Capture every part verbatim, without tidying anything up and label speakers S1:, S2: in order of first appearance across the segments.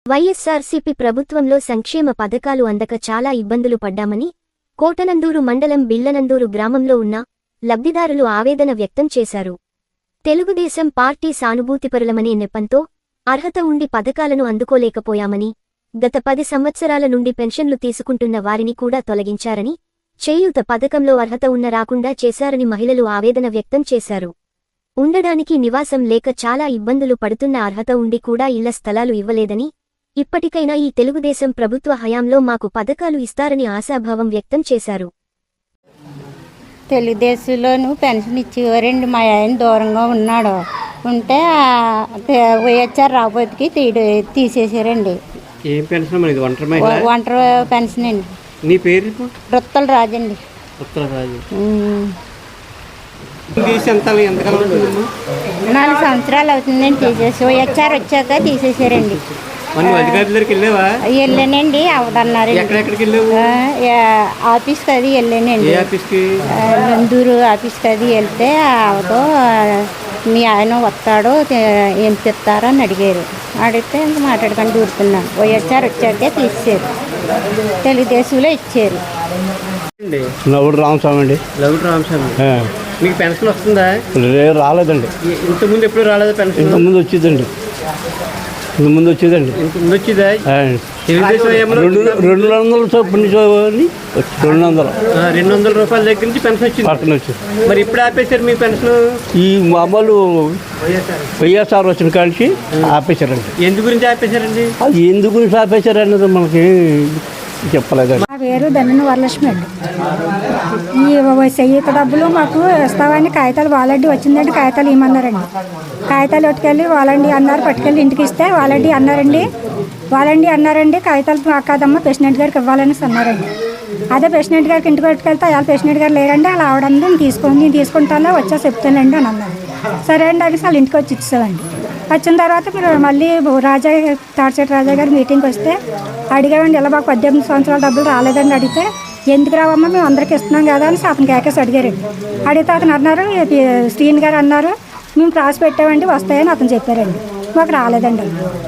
S1: వైఎస్సార్సీపీ ప్రభుత్వంలో సంక్షేమ పథకాలు అందక చాలా ఇబ్బందులు పడ్డామని కోటనందూరు మండలం బిళ్లనందూరు గ్రామంలో ఉన్న లబ్ధిదారులు ఆవేదన వ్యక్తం చేశారు. తెలుగుదేశం పార్టీ సానుభూతిపరులమనే నెపంతో అర్హత ఉండి పథకాలను అందుకోలేకపోయామని, గత పది సంవత్సరాల నుండి పెన్షన్లు తీసుకుంటున్న వారిని కూడా తొలగించారని, చేయూత పథకంలో అర్హత ఉన్న రాకుండా చేశారని మహిళలు ఆవేదన వ్యక్తం చేశారు. ఉండడానికి నివాసం లేక చాలా ఇబ్బందులు పడుతున్న అర్హత ఉండి కూడా ఇళ్ల స్థలాలు ఇవ్వలేదని, ఇప్పటికైనా ఈ తెలుగుదేశం ప్రభుత్వ హయాంలో మాకు పథకాలు ఇస్తారని ఆశాభావం వ్యక్తం చేశారు.
S2: తెలుగుదేశంలోనూ పెన్షన్ ఇచ్చేవారండి. మా ఆయన దూరంగా ఉన్నాడు, ఉంటే వైఎస్ఆర్ రాబోతుకి తీసేసారండి.
S3: ఏం పెన్షన్? ఒంటరి
S2: ఒంటరి పెన్షన్ అండి.
S3: నీ పేరు?
S2: రుత్తల రాజండి. నాలుగు సంవత్సరాలు అవుతుందండి తీసేసి. వైఎస్ఆర్ వచ్చాక తీసేసారండి. వెళ్ళానండి, అవదన్నారు. ఆఫీస్కి అది వెళ్ళానండి, నందూరు ఆఫీస్కి అది వెళ్తే అవతో మీ ఆయన వస్తాడు ఏం చెప్తారో అని అడిగారు. అడిగితే ఇంకా మాట్లాడుకొని దూరుతున్నాను. వైఎస్ఆర్ వచ్చాకే తీసేశారు, తెలుగుదేశంలో ఇచ్చారు.
S4: లవుడు రామస్వామి అండి.
S3: లవుడు రామస్వామి, మీకు పెన్షన్ వస్తుందా?
S4: రాలేదండి.
S3: ఇంతకుముందు ఎప్పుడు రాలేదు పెన్షన్?
S4: ఇంతకుముందు వచ్చిందండి. ముందు వచ్చేదండి. రెండు వందల చొప్పున రెండు వందలు
S3: రెండు వందల రూపాయల దగ్గర నుంచి పెన్షన్ వచ్చింది.
S4: పక్కన వచ్చింది.
S3: మరి ఇప్పుడు ఆపేశారు మీ పెన్షన్?
S4: ఈ మామూలు వైఎస్ఆర్ వచ్చిన కాడికి ఆపేశారండి.
S3: ఎందు గురించి ఆపేశారండి?
S4: అది ఎందు గురించి ఆపేశారు అన్నది మనకి చెప్పలేదండి.
S5: నా పేరు ధన్యన వరలక్ష్మి అండి. ఈ చెయ్యత డబ్బులు మాకు ఇస్తామని కాగితాలు వాలంటీ వచ్చిందండి. కాగితాలు ఇవ్వమన్నారండి. కాగితాలు పట్టుకెళ్ళి వాలంటీ అన్నారు, పట్టుకెళ్ళి ఇంటికి ఇస్తే వాలంటీ అన్నారండి. వాలంటీ అన్నారండి కాగితాలు కాదమ్మా ప్రెసిడెంట్ గారికి ఇవ్వాలని అన్నారండి. అదే ప్రెసిడెంట్ గారికి ఇంటికి పట్టుకెళ్తే అలా ప్రెసిడెంట్ గారు లేరండి, అలా ఆవిడండి నేను తీసుకోండి నేను తీసుకుంటాను వచ్చా చెప్తానండి అని అన్నారు. సరే అండి అనేసి వాళ్ళు ఇంటికి వచ్చి ఇచ్చామండి. వచ్చిన తర్వాత మీరు మళ్ళీ రాజా తాడిచెట్టు రాజా గారు మీటింగ్కి వస్తే అడిగామండి, ఇలా మాకు పద్దెనిమిది సంవత్సరాల డబ్బులు రాలేదండి. అడిగితే ఎందుకు రావమ్మా మేము అందరికి ఇస్తున్నాం కదా అని అతను కేకేసి అడిగారండి. అడిగితే అతను అన్నారు, శ్రీని గారు అన్నారు మేము రాసి పెట్టామండి వస్తాయని అతను చెప్పారండి. మాకు రాలేదండి.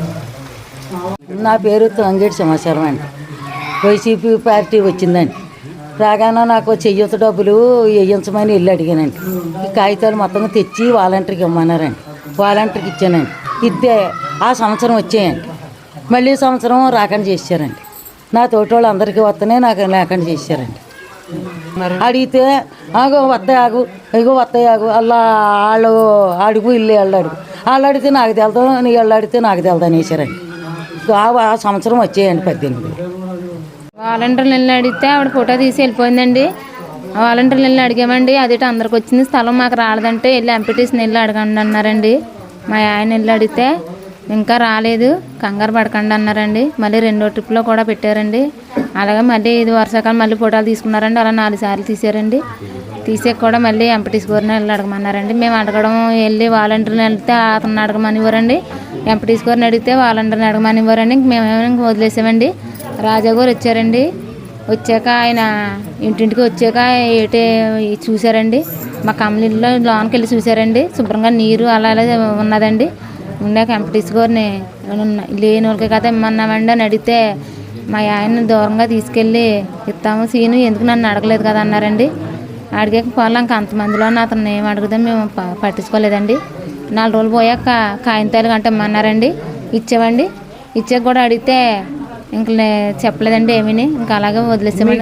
S6: నా పేరు తంగేటి సమాచారం అండి. వైసీపీ పార్టీ వచ్చిందండి. రాగానే నాకు చెయ్యత డబ్బులు వేయించమని వెళ్ళి అడిగానండి. ఈ కాగితాలు మొత్తం తెచ్చి వాలంటీర్కి ఇవ్వమన్నారండి. వాలంటీర్కి ఇచ్చానండి. ఇద్దే ఆ సంవత్సరం వచ్చాయండి. మళ్ళీ సంవత్సరం రాకుండా చేశారండి. నా తోటి వాళ్ళు అందరికీ వస్తేనే నాకు లేకుండా చేశారండి. అడిగితే ఆగో వస్తాయి ఆగు ఇగో వస్తాయి ఆగు అలా వాళ్ళు అడుగు ఇల్లు వాళ్ళు అడుగు వాళ్ళు అడిగితే నాకు తెలదు, నీ వాళ్ళు అడిగితే నాకు తెలదు అనేసారండి. ఆ సంవత్సరం వచ్చాయండి పద్దెనిమిది.
S7: వాలంటీర్లు వెళ్ళి అడిగితే ఆవిడ ఫోటో తీసి వెళ్ళిపోయిందండి. వాలంటీర్లు వెళ్ళి అడిగామండి, అదేటో అందరికి వచ్చింది స్థలం మాకు రాలేదంటే వెళ్ళి ఎంపీటీసీని వెళ్ళి అడగండి అన్నారండి. మా ఆయన వెళ్ళి అడిగితే ఇంకా రాలేదు కంగారు పడకండి అన్నారండి. మళ్ళీ రెండో ట్రిప్లో కూడా పెట్టారండి. అలాగే మళ్ళీ ఇది వర్షాకాలం మళ్ళీ ఫోటోలు తీసుకున్నారండి. అలా నాలుగు సార్లు తీసారండి. తీసే కూడా మళ్ళీ ఎంపీటీసీ గారిని వెళ్ళి అడగమన్నారండి. మేము అడగడం వెళ్ళి వాలంటీర్ని వెళ్తే అతను అడగమని ఇవ్వరండి. ఎంపీటీసీ గారిని అడిగితే వాలంటీర్ని అడగమని ఇవ్వరండి. మేమేమో వదిలేసామండి. రాజా గారు వచ్చారండి. వచ్చాక ఆయన ఇంటింటికి వచ్చాక ఏటే చూసారండి. మా కమలీలో లోనికి వెళ్ళి చూసారండి. శుభ్రంగా నీరు అలా అలా ఉన్నదండి. ఉండాక ఎంపీటీసీ గారిని లేని వాళ్ళకి కదా ఇమ్మన్నామండి అని అడిగితే మా ఆయన దూరంగా తీసుకెళ్ళి ఇస్తాము సీను ఎందుకు నన్ను అడగలేదు కదా అన్నారండి. అడిగాక పోలా ఇంక అంతమందిలో అతను ఏం అడుగుదాం మేము పట్టించుకోలేదండి. నాలుగు రోజులు పోయాక కాగితాలు గంట ఇమ్మన్నారండి. ఇచ్చామండి. ఇచ్చాక కూడా అడిగితే ఇంక చెప్పలేదండి ఏమీని. ఇంకా అలాగే వదిలేసామండి.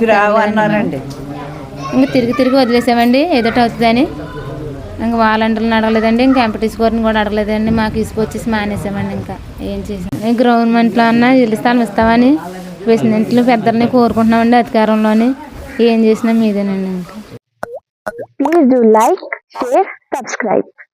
S7: ఇంకా తిరిగి తిరిగి వదిలేసామండి ఏదోటి అవుతుందని. ఇంకా వాలంటీర్లను అడగలేదండి, ఇంకా ఎంపీటీసీ గారిని కూడా అడగలేదండి. మాకు తీసుకొచ్చేసి మానేసామండి. ఇంకా ఏం చేసాం గవర్నమెంట్లో అన్నా ఇల్లు స్థలం ఇస్తామని ప్రెసిడెంట్లు పెద్దలని కోరుకుంటున్నామండి. అధికారంలోని ఏం చేసినా మీదేనండి. ఇంకా
S1: please do like, share, subscribe.